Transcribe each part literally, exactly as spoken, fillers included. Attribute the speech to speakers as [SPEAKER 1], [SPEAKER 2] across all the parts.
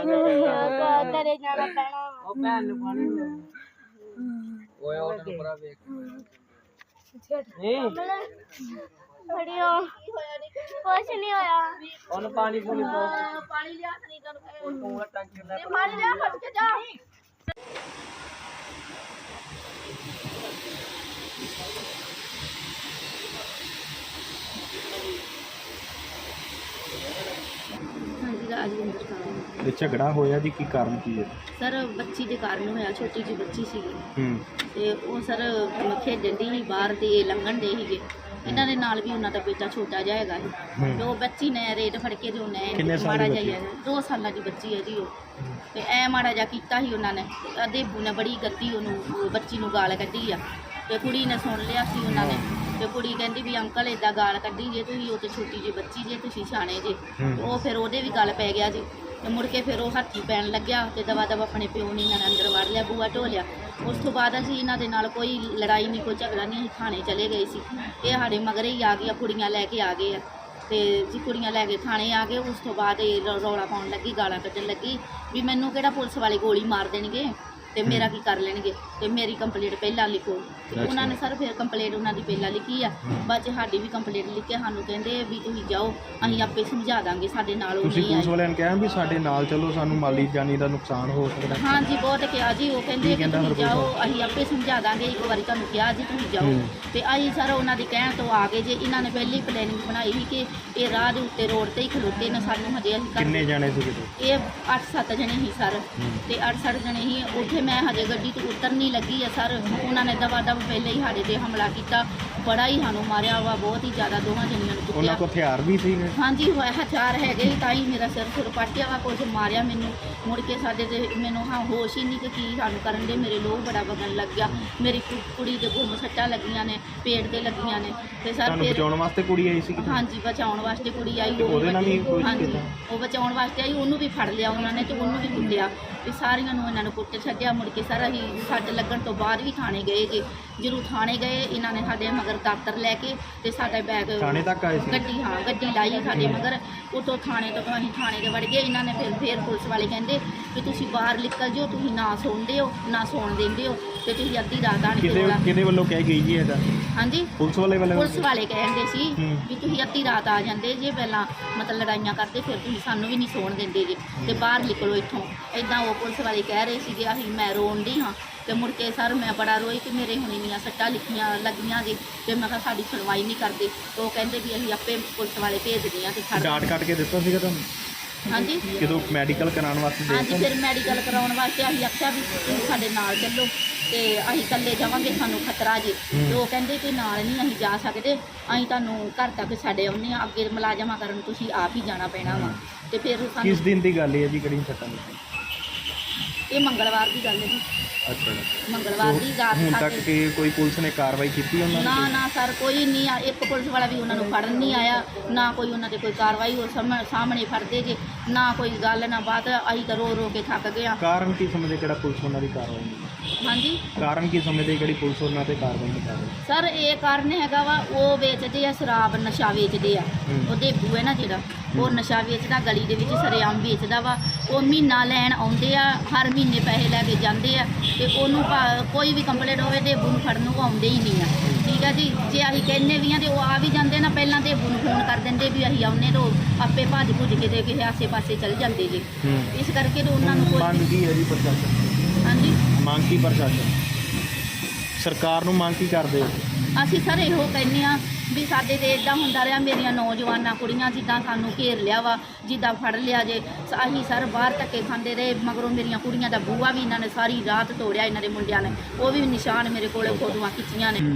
[SPEAKER 1] ਤੇਰੇ ਜਾਣਾ ਪੈਣਾ ਉਹ ਭੈਣ ਨੂੰ ਪਾਣੀ ਓਏ ਉਹ ਤੈਨੂੰ ਪਰਾ ਵੇਖ ਨਹੀਂ ਬੜੀਓ ਕੁਛ ਨਹੀਂ ਹੋਇਆ ਉਹਨੂੰ ਪਾਣੀ ਪੂਣੀ ਪਾਣੀ ਲਿਆ ਨਹੀਂ ਤੈਨੂੰ ਟੈਂਕੀ ਲੈ ਪਾਣੀ ਲਿਆ ਫੜ ਕੇ ਜਾ राजविंदर कौर
[SPEAKER 2] झगड़ा होया जी की कारण की है
[SPEAKER 3] सर बच्ची के कारण होया छोटी जी बच्ची सी ते वो सर खेडन दी ही बाहर ते लंघन दे ही इन्हां दे नाल भी उन्हां दा बेटा छोटा जिहा हैगा ते वो बच्ची ने रेट फड़ के ते उन्हें माड़ा जिहा दो साल की बच्ची है जी वो ते ऐ माड़ा जिहा कीता ही उन्हां ने देबू ने बड़ी गद्दी उन्होंने बच्ची नूं गाल कड्ढी आ ते कुड़ी ने सुन लिया सी उन्हां ने ते कुड़ी कहती भी अंकल इदा गाल कड्ढी जे तुसीं वो तो छोटी जी बच्ची जे तुसीं सियाणे जे वो फिर ओहदे भी गल पै गया जी ते मुड़ के फिर वो हत्थी पैन लग्या ते दवा दवा अपने प्यो ने इन्हां ने अंदर वड़ लिया बूआ ढोलिया उस तो बाद असीं इन्हां दे नाल कोई लड़ाई नहीं कोई झगड़ा नहीं असीं थाने चले गए सी ये साडे मगर ही आ गया कुड़ियां लैके आ गए ते जी कुड़ियां लैके थाने आ गए उस तो बाद रौला पाउण लगी गालां कड्ढण लगी भी मैनूं किहड़ा पुलिस वाले गोली मार देणगे ते मेरा की कर लेंगे ते मेरी कंप्लेंट पहला लिखो उन्होंने सर फिर कंप्लेंट उन्होंने पहला लिखी है बाद च साडी भी कंप्लेंट लिख के सानू कहंदे भी तुसीं जाओ असीं आपे समझा दांगे साडे नाल
[SPEAKER 2] तुसीं पुलिस वालियां ने कहा भी साडे नाल चलो सानू माली जानी दा नुकसान हो सकदा
[SPEAKER 3] हाँ जी बहुत कहा जी वो कहंदे कि तुसीं जाओ असीं आपे समझा दांगे एक बारी तुहानू कहा जी तुसीं जाओ ते असीं सर उन्हां दी कहण तो आ गए जे इन्हां ने पहले ही प्लैनिंग बनाई सी कि ये राह दे उत्ते रोड ते ही खलोते ने सानू हजे
[SPEAKER 2] किन्ने जाने सी
[SPEAKER 3] ये अठ सत्त जने ही सर ते अठ सत्त जने ही उत्थे मैं हजे गड्डी तो उतर नहीं लगी है सर उन्होंने दवा दव पहले ही साढ़े ते हमला किया बड़ा ही सानू मारिया वा बहुत ही ज़्यादा दोवां जनियां नूं कुੱਟਿਆ
[SPEAKER 2] हथियार भी सी
[SPEAKER 3] हाँ जी हथियार है ताई मेरा सिर सुर पाटिया वा कुछ मारिया मैनू मुड़ के साडे ते मैनू हाँ होश ही नहीं कि की सानू करन दे मेरे लोह बड़ा वगन लग गया मेरी कुड़ी दे गुम सट्टा लगियां ने पेट ते लगियां ने ते सर फिर
[SPEAKER 2] बचाउण वास्ते कुड़ी आई सी
[SPEAKER 3] हाँ जी बचाउण वास्ते कुड़ी आई
[SPEAKER 2] ओहदे नाल भी कोई
[SPEAKER 3] हाँ जी वो बचाउण वास्ते आई उन्होंने भी फड़ लिया उन्होंने ते उन्होंने भी कुੱਟਿਆ भी सारियां नूं इन्हां नूं कुੱਟ छड्डिया मुड़ के सर असीं सट लगन तो बाद भी थाने गए जे जरूर थाने गए इन्हां ने साडे मगर दातर लैके ते साडा बैग
[SPEAKER 2] थाने तक आए सी
[SPEAKER 3] गड्डी हाँ गड्डी लाई साडे मगर उतों थाने तो असीं थाने दे वड़ गए इन्हां ने फिर फिर पुलिस वाले कहंदे कि तुसीं बाहर निकल जाओ तुसीं ना सुणदे हो ना सौण दिंदे हो ते तुसीं अद्धी रात आण के रोला
[SPEAKER 2] किहदे वल्लों कह गई जी इहदा
[SPEAKER 3] हाँ जी
[SPEAKER 2] पुलिस वाले वाले
[SPEAKER 3] पुलिस वाले कहंदे सी भी तुसीं अद्धी रात आ जांदे जे पहलां मतलब लड़ाइयां करदे फिर तुसीं सानूं भी नहीं सौण दिंदे जे ते बाहर निकलो इत्थों इदां वो पुलिस वाले कह रहे सी कि असीं मैं रोन दी हाँ तो मुड़ के सर मैं बड़ा रोई कि मेरे हुण इन्नियां सट्टां लिखियां लगियां जे ते मैं कहा साडी सुनवाई नहीं करदे तो वो कहंदे भी असीं आपे पुलिस वाले भेजदे आं ते
[SPEAKER 2] डाट कट के दित्ता सीगा तुहानूं
[SPEAKER 3] हाँ जी
[SPEAKER 2] जदों मैडिकल कराउण वास्ते
[SPEAKER 3] हाँ जी फिर मैडिकल कराउण वास्ते असीं आख्या भी तुसीं साडे नाल चलो ते असीं कल्ले जावांगे सानूं खतरा जे ते वो कहंदे कि नाल नहीं असीं जा सकदे असीं तुहानूं घर तक छड्ड आउंदे आं अग्गे मुलाजमा करन तुसीं आप ही जाना पैना वा ते फिर
[SPEAKER 2] किस दिन की गल है जी कड़ी सट्टां
[SPEAKER 3] ये मंगलवार की गल है जी
[SPEAKER 2] अच्छा
[SPEAKER 3] मंगलवार की रात
[SPEAKER 2] ਹੁਣ तक कि कोई पुलिस ने कार्रवाई की उन्होंने
[SPEAKER 3] ना ना सर कोई नहीं आ एक पुलिस वाला भी उन्होंने फड़न नहीं आया ना कोई उन्होंने कोई कार्रवाई हो सामने फड़ते जे ना कोई गल ना बात असीं तो रो रो के थक गए
[SPEAKER 2] कारण की समझदे किहड़ा पुलिस उन्हां दी कार्रवाई नहीं
[SPEAKER 3] हाँ जी
[SPEAKER 2] कारण की समझदे किहड़ी पुलिस उन्हां ते कार्रवाई नहीं कर रही
[SPEAKER 3] सर ये कारण हैगा वा वो बेचते आ शराब नशा बेचते आ वो देबू है ना जिहड़ा वो नशा बेचदा गली दे विच सरेआम बेचदा वा वो महीना लैण आउंदे आ हर महीने पैसे लैके जांदे आ ते ओनू कोई भी कंप्लेंट होवे देबू नूं फड़न नूं आउंदे ही नहीं आ ठीक है जी जे असीं कहने भी हाँ तो आ भी जाते ना पहलां देबू नूं फोन कर देंगे भी असीं आउने तो आपे भज भुज के ते किसी आसे पासे चल जाते जी इस करके तो उन्होंने
[SPEAKER 2] मांग की है जी प्रशासन
[SPEAKER 3] हाँ जी
[SPEAKER 2] मांग की प्रशासन सरकार नूं मांग की करदे
[SPEAKER 3] असीं सर इहो कहने आ भी साडे ते इदां हुंदा रहा मेरियां नौजवानां कुड़ियां जिद्दां सानूं घेर लिया वा जिद्दां फड़ लिया जे असीं सर बाहर धक्के खांदे रहे मगरों मेरियां कुड़ियां दा बूआ भी इन्हां ने सारी रात तोड़िया इन्हां दे मुंडियां ने वो भी निशान मेरे कोले फोटोआं खिच्चियां ने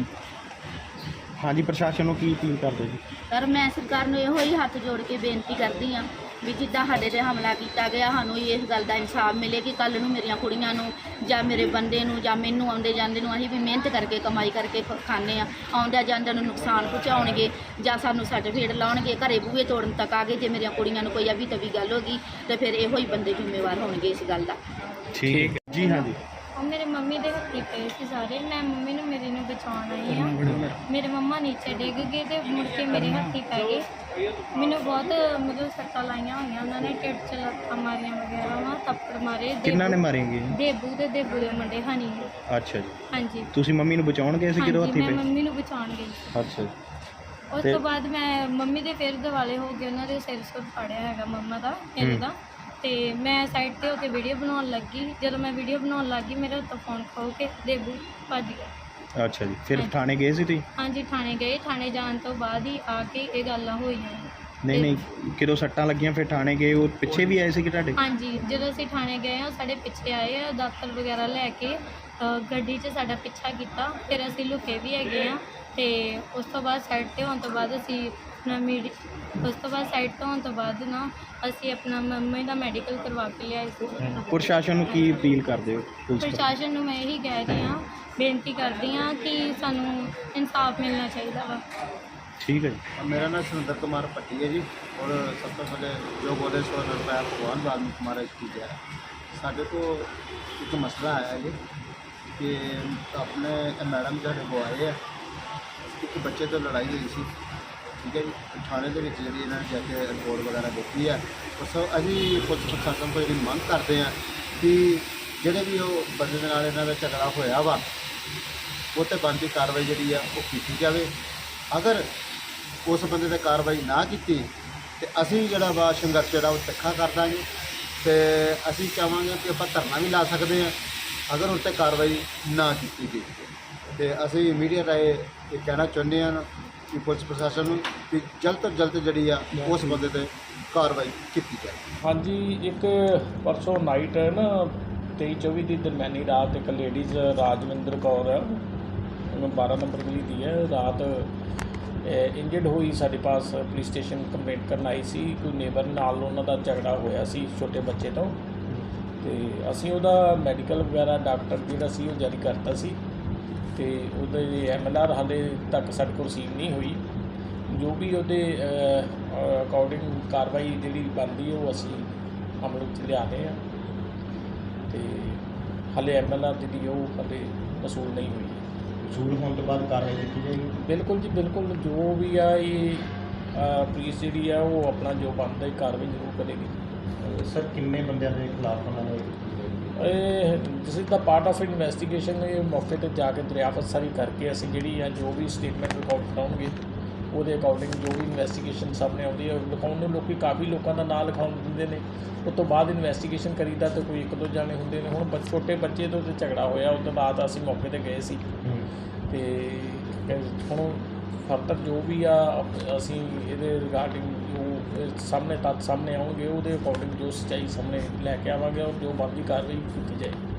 [SPEAKER 2] हाँ जी प्रशासन नूं की अपील करदे जी
[SPEAKER 3] सर मैं सरकार नूं इहो ही हत्थ जोड़ के बेनती करदी हाँ भी जिद्दां साडे ते हमला किया गया सानूं इस गल दा इंसाफ मिले कि कल नूं मेरियां कुड़ियां नूं जां मेरे बंदे नूं जां मैनूं आउंदे जांदे नूं असीं भी मेहनत करके कमाई करके खाने आ आउंदे जांदे नूं नुकसान पहुँचाउणगे जां सानूं सर्टिफिकेट लाउणगे घरे बूहे तोड़न तक आ गए जे मेरियां कुड़ियां नूं कोई अभी तभी गल होगी तो फिर इहो ही बंदे जिम्मेवार होणगे इस गल दा
[SPEAKER 2] ठीक है जी हाँ जी
[SPEAKER 4] मेरे मम्मी के हत्थी पे सी सारे मैं मम्मी ने मेरी ने बचाने आई हाँ मेरे मम्मा नीचे डिग गए तो मुड़ के मेरे हत्थी पै गए मैंने बहुत मतलब सट्टा लाइया हुई उन्होंने ढिड च लत्तां मारियां वगैरह वा ਥੱਪੜ ਮਾਰੇ।
[SPEAKER 2] ਕਿੰਨਾਂ ਨੇ ਮਾਰੇਗੇ?
[SPEAKER 4] ਦੇਬੂ ਤੇ ਦੇਬੂ ਦੇ ਮੁੰਡੇ ਹਨੀ।
[SPEAKER 2] ਅੱਛਾ ਜੀ।
[SPEAKER 4] ਹਾਂਜੀ
[SPEAKER 2] ਤੁਸੀਂ ਮੰਮੀ ਨੂੰ ਬਚਾਉਣ ਗਏ ਸੀ ਜਦੋਂ
[SPEAKER 4] ਹਾਂਜੀ
[SPEAKER 2] ਹੱਥੀ
[SPEAKER 4] ਮੈਂ
[SPEAKER 2] ਪਏ?
[SPEAKER 4] ਮੰਮੀ ਨੂੰ ਬਚਾਉਣ ਗਈ।
[SPEAKER 2] ਅੱਛਾ ਜੀ।
[SPEAKER 4] ਉਸ
[SPEAKER 2] ਤੇ-
[SPEAKER 4] ਤੋਂ ਬਾਅਦ ਮੈਂ ਮੰਮੀ ਦੇ ਫਿਰ ਦਿਵਾਲੇ ਹੋ ਗਏ, ਉਹਨਾਂ ਦੇ ਸਿਰ ਸੁਰ ਫਾੜਿਆ ਹੈਗਾ ਮੰਮਾ ਦਾ ਮੇਰੇ
[SPEAKER 2] ਹੂੰ।
[SPEAKER 4] ਦਾ। ਤੇ ਮੈਂ ਸਾਈਡ ਤੇ ਹੋ ਕੇ ਵੀਡੀਓ ਬਣਾਉਣ ਲੱਗੀ। ਜਦੋਂ ਮੈਂ ਵੀਡੀਓ ਬਣਾਉਣ ਲੱਗੀ ਮੇਰੇ ਹੱਥੋਂ ਫੋਨ ਖੋ ਕੇ ਦੇਬੂ ਭੱਜ ਗਿਆ।
[SPEAKER 2] ਅੱਛਾ ਜੀ। ਫਿਰ
[SPEAKER 4] ਹਾਂਜੀ।
[SPEAKER 2] ਥਾਣੇ ਗਏ ਸੀ ਤੁਸੀਂ?
[SPEAKER 4] ਹਾਂਜੀ ਥਾਣੇ ਗਏ। ਥਾਣੇ ਜਾਣ ਤੋਂ ਬਾਅਦ ਹੀ ਆ ਕੇ ਇਹ ਗੱਲਾਂ ਹੋਈਆਂ।
[SPEAKER 2] ਨਹੀਂ ਨਹੀਂ, ਕਿਦੋਂ ਸੱਟਾਂ ਲੱਗੀਆਂ ਫਿਰ ਥਾਣੇ ਗਏ? ਉਹ ਪਿੱਛੇ ਵੀ ਆਏ ਸੀ ਕਿ ਤੁਹਾਡੇ?
[SPEAKER 4] ਹਾਂਜੀ ਜਦੋਂ ਅਸੀਂ ਥਾਣੇ ਗਏ ਆ ਸਾਡੇ ਪਿੱਛੇ ਆਏ ਆ, ਦਾਤਰ ਵਗੈਰਾ ਲੈ ਕੇ ਅ, ਗੱਡੀ 'ਚ ਸਾਡਾ ਪਿੱਛਾ ਕੀਤਾ। ਫਿਰ ਅਸੀਂ ਲੁਕੇ ਵੀ ਹੈਗੇ ਆ। ਤੇ ਉਸ ਤੋਂ ਬਾਅਦ ਸਾਈਡ ਤੇ ਹੋਣ ਤੋਂ ਬਾਅਦ ਅਸੀਂ ਆਪਣਾ ਮੀਡੀ ਉਸ ਤੋਂ ਬਾਅਦ ਸਾਈਡ ਤੋਂ ਹੋਣ ਤੋਂ ਬਾਅਦ ਨਾ ਅਸੀਂ ਆਪਣਾ ਮੰਮੀ ਦਾ ਮੈਡੀਕਲ ਕਰਵਾ ਕੇ ਲਿਆਏ ਸੀ।
[SPEAKER 2] ਪ੍ਰਸ਼ਾਸਨ ਨੂੰ ਕੀ ਅਪੀਲ ਕਰਦੇ ਹੋ? ਪੁਲਿਸ ਤੋਂ?
[SPEAKER 4] ਪ੍ਰਸ਼ਾਸਨ ਨੂੰ ਮੈਂ ਇਹੀ ਕਹਿ ਰਹੀ ਹਾਂ, ਬੇਨਤੀ ਕਰਦੀ ਹਾਂ ਕਿ ਸਾਨੂੰ ਇਨਸਾਫ ਮਿਲਣਾ ਚਾਹੀਦਾ ਵਾ।
[SPEAKER 2] ਠੀਕ ਹੈ ਜੀ।
[SPEAKER 5] मेरा नाम सुरेंद्र कुमार पट्टी है जी। और सब तो पहले जो बोधेश्वर रुपया भगवान वाल्मीकि महाराज की जय। साढ़े को एक मसला आया जी कि अपने मैडम साढ़े को आए हैं, एक बच्चे तो लड़ाई हुई सी, ठीक है जी। थाने के जी इन्होंने जाके रिपोर्ट वगैरह देखी है। और सब अभी पुलिस प्रशासन को जी मंग करते हैं कि ਜਿਹੜੇ ਵੀ ਉਹ ਬੰਦੇ ਦੇ ਨਾਲ ਇਹਨਾਂ ਦਾ ਝਗੜਾ ਹੋਇਆ ਵਾ ਉਹ 'ਤੇ ਬਣਦੀ ਕਾਰਵਾਈ ਜਿਹੜੀ ਆ ਉਹ ਕੀਤੀ ਜਾਵੇ। ਅਗਰ ਉਸ ਬੰਦੇ 'ਤੇ ਕਾਰਵਾਈ ਨਾ ਕੀਤੀ ਤੇ ਅਸੀਂ ਜਿਹੜਾ ਵਾ ਸੰਘਰਸ਼ ਜਿਹੜਾ ਉਹ ਤਿੱਖਾ ਕਰ ਦਾਂਗੇ। ਤੇ ਅਸੀਂ ਚਾਹਾਂਗੇ ਕਿ ਆਪਾਂ ਧਰਨਾ ਵੀ ਲਾ ਸਕਦੇ ਹਾਂ ਅਗਰ ਉਸ 'ਤੇ ਕਾਰਵਾਈ ਨਾ ਕੀਤੀ ਗਈ। ਤੇ ਅਸੀਂ ਮੀਡੀਆ ਰਾਹੀਂ ਇਹ ਕਹਿਣਾ ਚਾਹੁੰਦੇ ਹਾਂ ਕਿ ਪੁਲਿਸ ਪ੍ਰਸ਼ਾਸਨ ਨੂੰ ਕਿ ਜਲਦ ਤੋਂ ਜਲਦ ਜਿਹੜੀ ਆ ਉਸ ਬੰਦੇ 'ਤੇ ਕਾਰਵਾਈ ਕੀਤੀ ਜਾਏ।
[SPEAKER 6] ਹਾਂਜੀ, ਇੱਕ ਪਰਸੋਂ ਨਾਈਟ ਨਾ ਤੇਈ ਚੌਵੀ ਦੀ ਦਰਮਿਆਨੀ ਰਾਤ ਇੱਕ ਲੇਡੀਜ਼ ਰਾਜਵਿੰਦਰ ਕੌਰ ਹੈ, ਬਾਰਾਂ ਨੰਬਰ ਗਲੀ ਦੀ ਹੈ, ਰਾਤ ਇੰਜਰਡ ਹੋਈ ਸਾਡੇ ਪਾਸ ਪੁਲਿਸ ਸਟੇਸ਼ਨ ਕੰਪਲੇਂਟ ਕਰਨ ਆਈ ਸੀ। ਕੋਈ ਨੇਬਰ ਨਾਲ ਉਹਨਾਂ ਦਾ ਝਗੜਾ ਹੋਇਆ ਸੀ ਛੋਟੇ ਬੱਚੇ ਤੋਂ। ਤੇ ਅਸੀਂ ਉਹਦਾ ਮੈਡੀਕਲ ਵਗੈਰਾ ਡਾਕਟਰ ਜਿਹੜਾ ਸੀ ਉਹ ਜਾਰੀ ਕਰਤਾ ਸੀ। ਤੇ ਉਹਦੇ ਐਮ ਐਲ ਆਰ ਹਾਲੇ ਤੱਕ ਸਾਡੇ ਕੋਲ ਰਸੀਵ ਨਹੀਂ ਹੋਈ। ਜੋ ਵੀ ਉਹਦੇ ਅਕੋਰਡਿੰਗ ਕਾਰਵਾਈ ਜਿਹੜੀ ਬਣਦੀ ਉਹ ਅਸੀਂ ਅਮਲ ਵਿੱਚ ਲਿਆਉਂਦੇ ਹਾਂ। ਤੇ ਹਾਲੇ ਐਮ ਐਲ ਆਰ ਜਿਹੜੀ ਉਹ ਹਾਲੇ ਵਸੂਲ ਨਹੀਂ ਹੋਈ।
[SPEAKER 5] ਵਸੂਲ ਹੋਣ ਤੋਂ ਬਾਅਦ ਕਾਰਵਾਈ ਕੀਤੀ ਜਾਏਗੀ।
[SPEAKER 6] ਬਿਲਕੁਲ ਜੀ ਬਿਲਕੁਲ, ਜੋ ਵੀ ਆ ਇਹ ਪੁਲਿਸ ਜਿਹੜੀ ਆ ਉਹ ਆਪਣਾ ਜੋ ਬਣਦਾ ਹੈ ਕਾਰਵਾਈ ਜ਼ਰੂਰ ਕਰੇਗੀ।
[SPEAKER 5] ਸਰ ਕਿੰਨੇ ਬੰਦਿਆਂ ਦੇ ਖਿਲਾਫ ਉਹਨਾਂ ਨੇ
[SPEAKER 6] ਇਹ this is the part of investigation. ਇਹ ਮੌਕੇ 'ਤੇ ਜਾ ਕੇ ਦਰਿਆਫਤ ਸਾਰੀ ਕਰਕੇ ਅਸੀਂ ਜਿਹੜੀ ਆ ਜੋ ਵੀ ਸਟੇਟਮੈਂਟ ਰਿਕਾਰਡ ਕਰਾਉਂਗੇ ਉਹਦੇ ਅਕੋਰਡਿੰਗ ਜੋ ਵੀ ਇਨਵੈਸਟੀਗੇਸ਼ਨ ਸਾਹਮਣੇ ਆਉਂਦੀ ਹੈ ਲਿਖਾਉਣ ਨੂੰ ਲੋਕੀ ਕਾਫੀ ਲੋਕਾਂ ਦਾ ਨਾਂ ਲਿਖਾਉਣ ਦਿੰਦੇ ਨੇ। ਉਸ ਤੋਂ ਬਾਅਦ ਇਨਵੈਸਟੀਗੇਸ਼ਨ ਕਰੀਦਾ ਤਾਂ ਕੋਈ ਇੱਕ ਦੋ ਜਾਣੇ ਹੁੰਦੇ ਨੇ। ਹੁਣ ਬ ਛੋਟੇ ਬੱਚੇ ਤੋਂ ਤੇ ਝਗੜਾ ਹੋਇਆ ਉਸ ਤੋਂ ਬਾਅਦ ਅਸੀਂ ਮੌਕੇ 'ਤੇ ਗਏ ਸੀ। ਤੇ ਹੁਣ ਫਰਦਰ ਜੋ ਵੀ ਆ ਅਸੀਂ ਇਹਦੇ ਰਿਗਾਰਡਿੰਗ ਜੋ ਸਾਹਮਣੇ ਤੱਥ ਸਾਹਮਣੇ ਆਉਣਗੇ ਉਹਦੇ ਅਕੋਰਡਿੰਗ ਜੋ ਸੱਚਾਈ ਸਾਹਮਣੇ ਲੈ ਕੇ ਆਵਾਂਗੇ ਔਰ ਜੋ ਬਣਦੀ ਕਾਰਵਾਈ ਕੀਤੀ ਜਾਏ।